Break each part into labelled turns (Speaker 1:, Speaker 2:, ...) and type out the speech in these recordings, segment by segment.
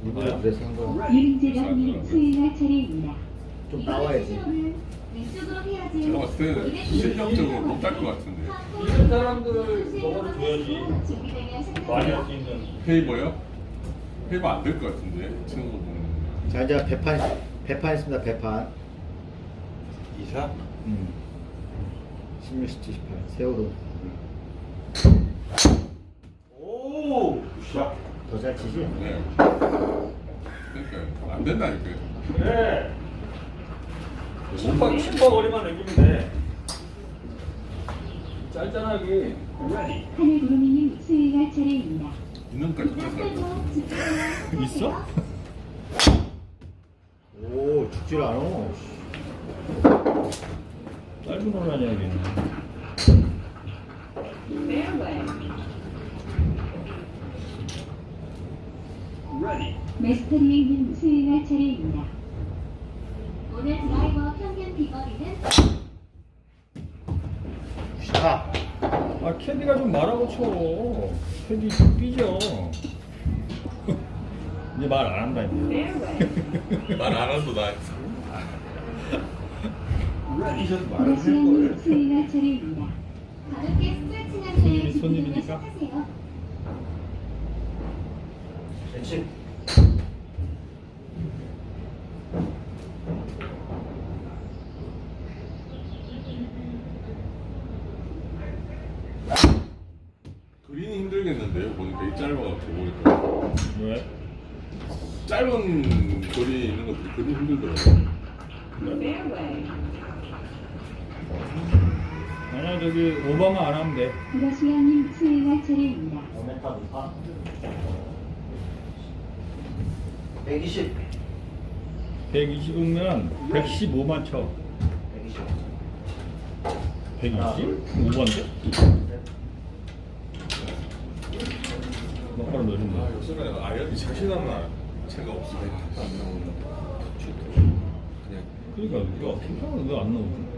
Speaker 1: 일부러 그래서 한 거야.
Speaker 2: 유림재단님 수행할 차례입니다.
Speaker 1: 좀 나와야지.
Speaker 2: 왼쪽으로
Speaker 3: 제가
Speaker 2: 해야지.
Speaker 3: 봤을 때 실력적으로 못할 것 같은데.
Speaker 4: 이런 사람들 저거를 줘야지. 많이 할 수 있는.
Speaker 3: 페이버요? 페이버 안 될 것 같은데 치는 거 보면.
Speaker 1: 자 이제 배판 있습니다. 배판.
Speaker 4: 2사?
Speaker 1: 16, 17, 18 세월호.
Speaker 4: 오! 샷.
Speaker 1: 더 잘 치지?
Speaker 3: 네. 그러니까 안 된다니까요.
Speaker 4: 그래. 10번 거리만 넘기면 돼. 짤짤하게.
Speaker 2: 하늘구름이님 수행할 차례입니다.
Speaker 3: 있는까지 뺏어.
Speaker 4: 있어?
Speaker 1: 오 죽질 않아.
Speaker 4: 짧은 걸 하냐, 여기는.
Speaker 2: 메스터리행님 수행할 차례입니다. 오늘 드라이버 평균 비거리는
Speaker 1: 자
Speaker 4: 아, 캐디가 좀 말하고 쳐. 캐디 좀 삐져. 이제 말 안 한다, 이제.
Speaker 3: 말 안 해도 나 있어.
Speaker 4: 삐져도 말을
Speaker 2: 러시아님
Speaker 4: 할걸.
Speaker 2: 수행할 차례입니다. 가볍게 스트레칭한 후에 준비되면
Speaker 4: 손님이니까?
Speaker 2: 시작하세요.
Speaker 1: 그렇지.
Speaker 3: 그린이 힘들겠는데요. 보니까 이 짧아갖고 보니까
Speaker 4: 왜?
Speaker 3: 짧은 거리에 있는 것들이 그린 힘들더라고요.
Speaker 4: 아니야, 저기 오버만 안 하면 돼.
Speaker 2: 러시아님 수행할 차례입니다.
Speaker 1: 5m 높아. 120.
Speaker 4: 120이면 115만 쳐.
Speaker 1: 120.
Speaker 4: 120? 5번데? 막바로
Speaker 3: 아,
Speaker 4: 넣어준다.
Speaker 3: 요새는 아이언이 자신감 자체가 없으니까 안 나오는 그냥
Speaker 4: 그러니까 야, 괜찮아. 왜안 넣어?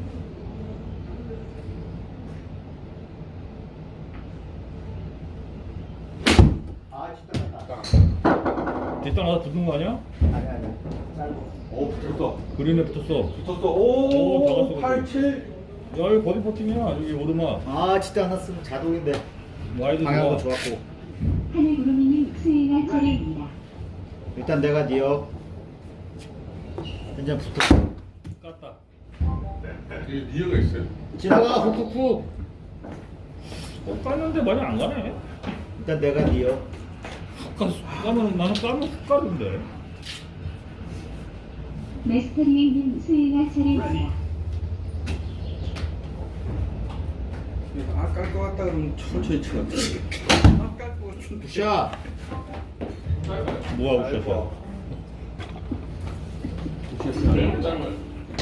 Speaker 1: 아 진짜 갔다.
Speaker 4: 뒷땅 가서 붙는 거 아니야?
Speaker 1: 아니. 짧아.
Speaker 4: 오, 붙었어. 그린에 붙었어.
Speaker 5: 붙었어.
Speaker 4: 오, 다
Speaker 5: 오,
Speaker 4: 갔어.
Speaker 5: 8, 7.
Speaker 4: 야, 이거 버디 퍼팅이야. 여기 오르막.
Speaker 1: 아 진짜 안 났으면 자동인데.
Speaker 4: 와이드
Speaker 1: 방향도
Speaker 4: 좋아.
Speaker 1: 좋았고.
Speaker 2: 하늘구름이님 수행할 차례입니다.
Speaker 1: 일단 내가 니어. 현재 붙었어.
Speaker 4: 깠다.
Speaker 3: 이게 니어가 있어요.
Speaker 1: 지나가 훅훅훅.
Speaker 4: 깠는데 많이 안 가네.
Speaker 1: 일단 내가 니어.
Speaker 4: 까면 나는 까면 훅 가는데.
Speaker 2: 메스터리행님 수행할 차례입니다.
Speaker 5: 아깔 것 같다 그러면 천천히 치면 돼. 아깔 것 같은데.
Speaker 1: 굿샷.
Speaker 4: 뭐야, 웃겼어.
Speaker 3: 너무 짧아요.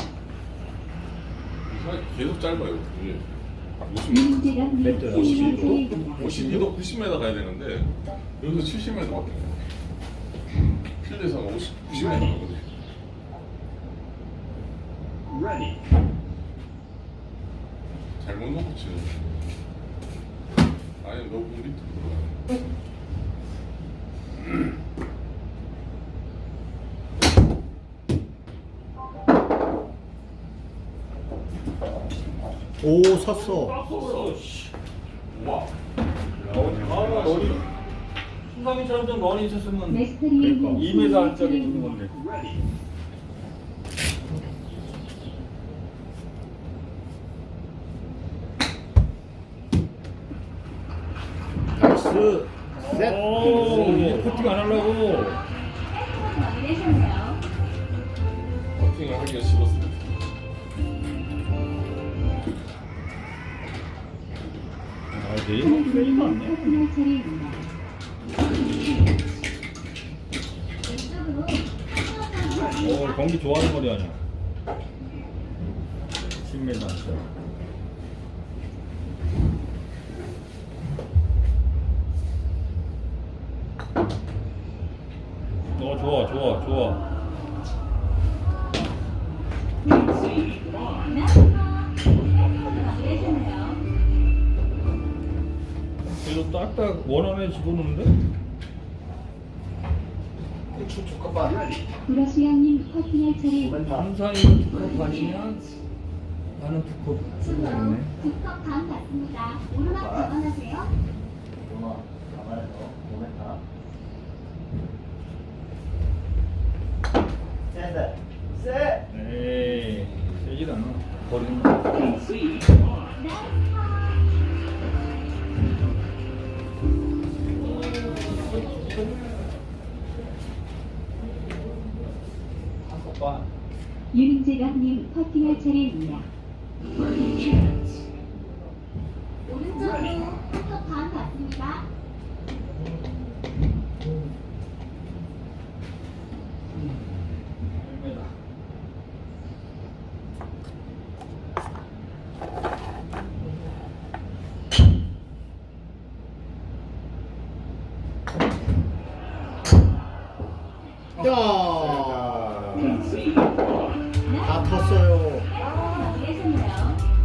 Speaker 3: 계속 짧아요. 이게 50m,
Speaker 2: 유림재단님
Speaker 1: 멘트야.
Speaker 2: 수행할 차례입니다.
Speaker 3: 52도 90m 가야 되는데 여기서 70m밖에 안 돼요. 필드에서 90m 가거든요. 잘못 놓고 치는. 아니 너무 밑으로 들어가요.
Speaker 1: 오 섰어.
Speaker 3: 와.
Speaker 4: 아, 너리. 순상이처럼 좀 런이 있었으면
Speaker 2: 메스터리행님
Speaker 4: 2m
Speaker 2: 수행할
Speaker 4: 안짝에 있는
Speaker 2: 차례입니다.
Speaker 4: 건데.
Speaker 1: 나이스. 셋.
Speaker 4: 오, 이제 퍼팅 안 하려고.
Speaker 2: 마무리하셨네요.
Speaker 3: 버팅을 하기가 싫었어요.
Speaker 4: 아, 내일 빼지도 않네.
Speaker 2: 수행할 차례입니다. 왼쪽으로
Speaker 4: 경기 좋아하는 거리 아니야. 10m 안짝. 좋아. 그래도 딱딱 원안에 집어넣는데?
Speaker 1: 후추 두컵반.
Speaker 2: 브러시형님 커팅할 차례입니다.
Speaker 5: 항상 이거 두컵 반이면 나는 두컵
Speaker 2: 순서
Speaker 5: 주네.
Speaker 2: 2컵 반 받습니다. 오르막 감안하세요.
Speaker 1: 누나 가만해서 모멘타. 셋. 셋.
Speaker 5: 에이 세질 않아. 버리는 거.
Speaker 2: 나이스
Speaker 1: 한컵반.
Speaker 2: 윤재갑님 커팅할 차례입니다. 오른쪽으로 1컵 반 받습니다.
Speaker 1: 야.
Speaker 2: 나이스
Speaker 1: 다 텄어요.
Speaker 2: 마무리하셨네요.